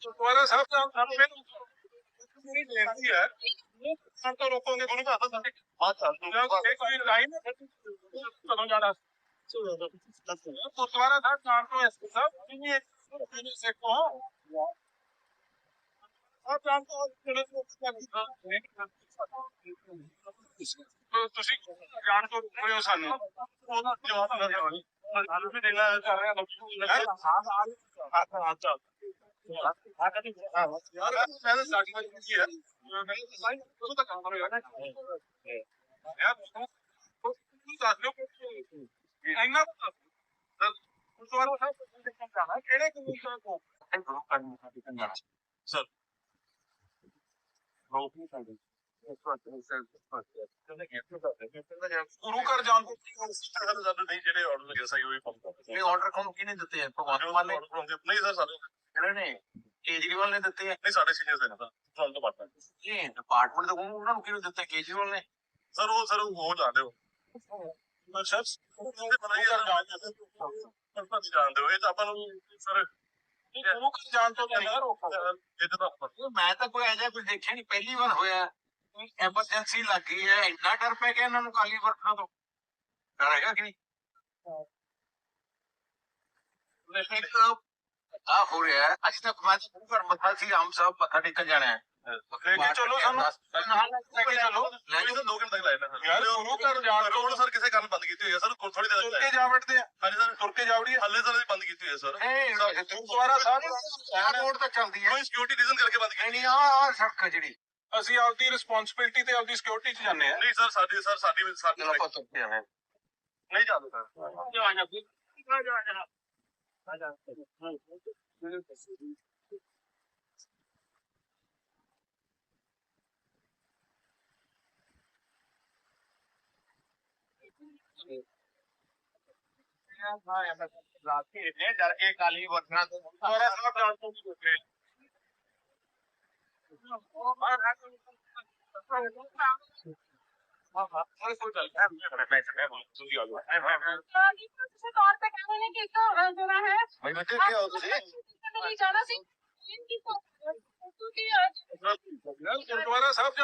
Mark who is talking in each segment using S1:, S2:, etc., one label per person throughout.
S1: तुम्हारा साहब मेरी बेनती है हम तो रोकोगे गुरु का कोई लाइन कदों जाना गुरुद्वारा साहब जान तो एसपी साहब सिखो आप जानते हो ਤੁਸੀਂ ਜਾਣ ਤੋਂ ਰੁਕ ਰਹੇ ਹੋ ਸਾਨੂੰ ਉਹਦਾ ਜਵਾਬ ਨਾ ਦਿਓ ਸਾਨੂੰ ਵੀ ਦੇਣਾ ਕਰ ਰਹੇ ਯਾਰ ਮੈਂ ਤਾਂ ਸਾਡੀ ਮਰਜ਼ੀ ਹੈ ਮੈਂ ਤਾਂ ਸਾਈਂ ਉਹ ਤਾਂ ਕੰਮ ਕਰੇਗਾ ਯਾਰ ਤੂੰ ਦੱਸ ਲਿਓ ਇੰਨਾ ਗੁਰਦੁਆਰਾ ਸਾਹਿਬ ਜਾਣਾ ਕਿਹੜੇ ਕਮਿਸ਼ਨ ਤੋਂ ਸਰ ਰੋਕ ਨਹੀਂ ਸਕਦੇ ਗੁਰੂ ਘਰ ਜਾਣ ਤੋਂ ਨਹੀਂ ਜਿਹੜੇ ਆਰਡਰ ਲੱਗੇ ਸਹੀ ਹੋਈ ਇਹ ਆਰਡਰ ਕੌਣ ਕਿਹਨੇ ਦਿੱਤੇ ਆ ਭਗਵਾਨ ਮਾਨ ਨੇ ਨਹੀਂ ਸਰ ਸਾਡੇ ਇਹਨਾਂ ਨੇ ਕੇਜਰੀਵਾਲ ਨੇ ਦਿੱਤੇ ਆ ਨਹੀਂ ਸਾਡੇ ਸੀਨੀਅਰਸ ਨੇ ਤਾਂ ਤੁਹਾਨੂੰ ਤਾਂ ਪਤਾ ਇਹ ਡਿਪਾਰਟਮੈਂਟ ਤੋਂ ਉਹਨਾਂ ਨੂੰ ਕਿਹਨੂੰ ਦਿੱਤੇ ਕੇਜਰੀਵਾਲ ਨੇ ਸਰ ਉਹ ਜਾਣਦੇ ਹੋ ਸਰ ਉਹਦੇ ਪਤਾ ਹੀ ਜਾਣਦੇ ਹੋ ਇਹ ਤਾਂ ਆਪਾਂ ਨੂੰ ਸਰ ਗੁਰੂ ਘਰ ਜਾਣ ਤੋਂ ਪਹਿਲਾਂ ਮੈਂ ਤਾਂ ਕੋਈ ਐਜਾ ਕੁਝ ਦੇਖਿਆ ਨਹੀਂ ਪਹਿਲੀ ਵਾਰ ਹੋਇਆ ਐਮਰਜੈਂਸੀ ਲੱਗ ਗਈ ਹੈ ਇੰਨਾ ਡਰ ਪੈ ਗਿਆ ਇਹਨਾਂ ਨੂੰ ਕਾਲੀ ਵਰਖਾ ਤੋਂ ਡਰ ਹੈਗਾ ਕਿ ਨਹੀਂ ਆ ਹੋ ਰਿਹਾ ਅੱਜ ਤੱਕ ਮੈਂ ਗੁਰੂ ਘਰ ਮੱਥਾ ਸੀ ਆਮ ਸਾਹਿਬ ਮੱਥਾ ਟੇਕਣ ਜਾਣਾ ਹੈ ਚਲੋ ਸਾਨੂੰ ਲੈ ਕੇ ਚਲੋ 2 ਘੰਟੇ ਤੱਕ ਲਾਇਆ ਯਾਰ ਗੁਰੂ ਘਰ ਜਾਣ ਤੋਂ ਸਰ ਕਿਸੇ ਕਾਰਨ ਬੰਦ ਕੀਤੀ ਹੋਈ ਹੈ ਸਰ ਥੋੜੀ ਦੇਰ ਤੁਰ ਕੇ ਜਾ ਵੜਦੇ ਆ ਹਾਂਜੀ ਸਰ ਤੁਰ ਕੇ ਜਾ ਵੜੀ ਹੱਲੇ ਸਰ ਬੰਦ ਕੀਤੀ ਹੋਈ ਹੈ ਸਰ ਗੁਰਦੁਆਰਾ ਸਾਹਿਬ ਰੋਡ ਤੱਕ ਚੱਲਦੀ ਹੈ ਕੋਈ ਸਿਕਿਉਰਿਟੀ ਰੀਜ਼ਨ ਕਰਕੇ ਬੰਦ ਕੀਤੀ ਨਹੀਂ ਆ ਸੜਕ ਜਿਹੜੀ ਅਸੀਂ ਆਪਦੀ ਰਿਸਪੌਂਸਿਬਿਲਟੀ ਤੇ ਆਪਦੀ ਸਿਕਿਉਰਿਟੀ ਚ ਜਾਂਦੇ ਆ ਨਹੀਂ ਸਰ ਸਾਡੀ ਨਹੀਂ ਜਾਂਦੇ ਸਰ डर के काली वरना तो गुरुद्वारा साहब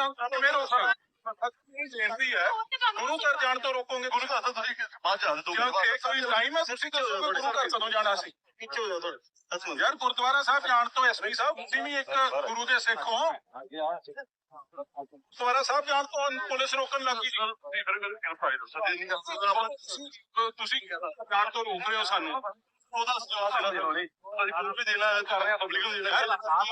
S1: ਬੇਨਤੀ ਹੈ ਗੁਰੂ ਘਰ ਜਾਣ ਤੋਂ ਰੋਕੋਗੇ ਗੁਰੂ ਘਰ ਤੁਸੀਂ ਬਾਅਦ ਜਾ ਦੋਗੇ ਕੋਈ ਟਾਈਮ ਹੈ ਤੁਸੀਂ ਦੱਸੋਗੇ ਗੁਰੂ ਘਰ ਕਦੋਂ ਜਾਣਾ ਸੀ ਪਿੱਛੇ ਹੋ ਜਾਓ ਯਾਰ ਗੁਰਦੁਆਰਾ ਸਾਹਿਬ ਜਾਣ ਤੋਂ ਐਸਪੀ ਸਾਹਿਬ ਤੁਸੀਂ ਵੀ ਇੱਕ ਗੁਰੂ ਦੇ ਸਿੱਖ ਹੋ ਗੁਰਦੁਆਰਾ ਸਾਹਿਬ ਜਾਣ ਤੋਂ ਪੁਲਿਸ ਰੋਕਣ ਲੱਗੀ ਤੁਸੀਂ ਜਾਣ ਤੋਂ ਰੋਕ ਰਹੇ ਹੋ ਸਾਨੂੰ ਉਹਦਾ ਜਵਾਬ ਵੀ ਦੇਣਾ ਕਰ ਰਹੇ ਪਬਲਿਕ ਨੂੰ ਦੇਣਾ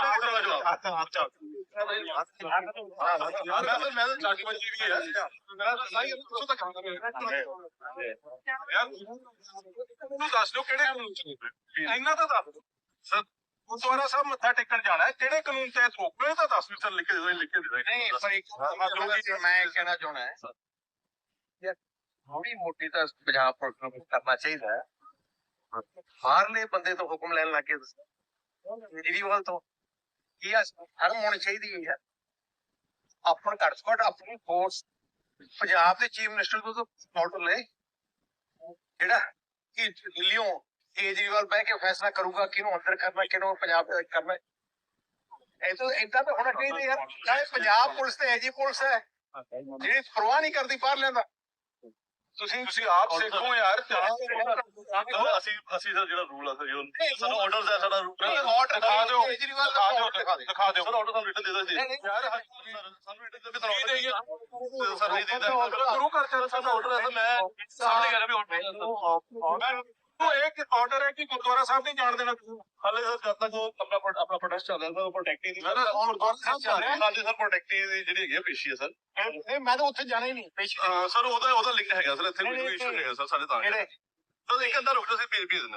S1: ਮੈਂ ਤਾਂ ਚਾਕੀ ਵਜੇ ਵੀ ਹੈ ਮੇਰਾ ਤਾਂ ਸਾਈ ਉੱਥੋਂ ਤੱਕ ਕੰਮ ਕਰ ਰਿਹਾ ਯਾਰ ਤੂੰ ਦੱਸ ਦਿਓ ਕਿਹੜੇ ਕਾਨੂੰਨ ਚ ਇੰਨਾ ਤਾਂ ਦੱਸ ਦਿਓ ਸਰ ਗੁਰਦੁਆਰਾ ਸਾਹਿਬ ਮੱਥਾ ਟੇਕਣ ਜਾਣਾ ਕਿਹੜੇ ਕਾਨੂੰਨ ਤਹਿਤ ਰੋਕ ਰਹੇ ਤਾਂ ਦੱਸ ਵੀ ਸਰ ਲਿਖ ਕੇ ਦੇ ਨਹੀਂ ਪਰ ਇੱਕ ਮੈਂ ਕਹਿਣਾ ਚਾਹੁੰਦਾ ਹੈ ਯਾਰ ਥੋੜੀ ਮੋਟੀ ਤਾਂ ਪੰਜਾਬ ਪੁਲਿਸ ਨੂੰ ਕਰਨਾ ਚਾਹੀਦਾ ਹੈ ਬਾਹਰਲੇ ਬੰਦੇ ਤੋਂ ਹੁਕਮ ਲੈਣ ਲੱਗੇ ਕੇਜਰੀਵਾਲ ਤੋਂ ਕੀ ਹਰ ਹੋਣੀ ਚਾਹੀਦੀ ਹੈ ਆਪਣ ਘੱਟ ਤੋਂ ਘੱਟ ਆਪਣੀ ਫੋਰਸ ਪੰਜਾਬ ਦੇ ਚੀਫ ਮਿਨਿਸਟਰ ਤੋਂ ਆਰਡਰ ਲੈ ਜਿਹੜਾ ਕਿ ਦਿੱਲੀੋਂ ਕੇਜਰੀਵਾਲ ਬਹਿ ਕੇ ਫੈਸਲਾ ਕਰੂਗਾ ਕਿਹਨੂੰ ਅੰਦਰ ਕਰਨਾ ਕਿਹਨੂੰ ਪੰਜਾਬ ਕਰਨਾ ਇਹ ਤਾਂ ਏਦਾਂ ਤਾਂ ਹੋਣਾ ਚਾਹੀਦਾ ਯਾਰ ਨਾਲੇ ਪੰਜਾਬ ਪੁਲਿਸ ਤੇ ਐਜੀ ਪੁਲਿਸ ਹੈ ਜਿਹੜੀ ਪਰਵਾਹ ਨਹੀਂ ਕਰਦੀ ਬਾਹਰ ਲੈਂਦਾ ਤੁਸੀਂ ਆਪ ਸਿੱਖੋ ਯਾਰ ਅਸੀਂ ਸਰ ਜਿਹੜਾ ਰੂਲ ਆ ਸਾਨੂੰ ਆਰਡਰਸ ਹੈ ਸਾਡਾ ਆਰਡਰ ਦਿਖਾ ਦਿਓ ਦਿਖਾ ਦਿਓ ਸਰ ਆਰਡਰ ਸਾਨੂੰ ਰਿਟਨ ਦੇ ਦਿਓ ਯਾਰ ਸਾਨੂੰ ਰਿਟਨ ਦੇ ਦਿਓ ਸਰ ਨਹੀਂ ਦਿੰਦਾ ਗੁਰੂ ਘਰ ਚ ਸਾਡਾ ਆਰਡਰ ਹੈ ਮੈਂ ਸਾਹਮਣੇ ਕਹਿ ਰਿਹਾ ਵੀ ਆਰਡਰ एक ऑर्डर है कि गुरुद्वारा साहब नहीं जान देना हाले सर जब तक वो अपना प्रोटेस्ट चल रहा था वो प्रोटेक्टिव सर प्रोटेक्टिव ਜਿਹੜੀ ਹੈਗੀ ਪੇਸ਼ੀ ਹੈ ਸਰ ਮੈਂ ਤਾਂ ਉੱਥੇ ਜਾਣਾ ਹੀ ਨਹੀਂ ਪੇਸ਼ੀ ਸਰ ਉਹਦਾ ਲਿੰਕ ਹੈਗਾ ਸਰ ਇੱਥੇ ਕੋਈ ਇਸ਼ੂ ਨਹੀਂ ਹੈਗਾ ਸਰ ਸਾਡੇ ਤਾਂ ਇੱਕ ਅੰਦਰ ਰੁਕ ਜਾਓ ਅਸੀਂ ਭੇਜ ਦਿੰਦੇ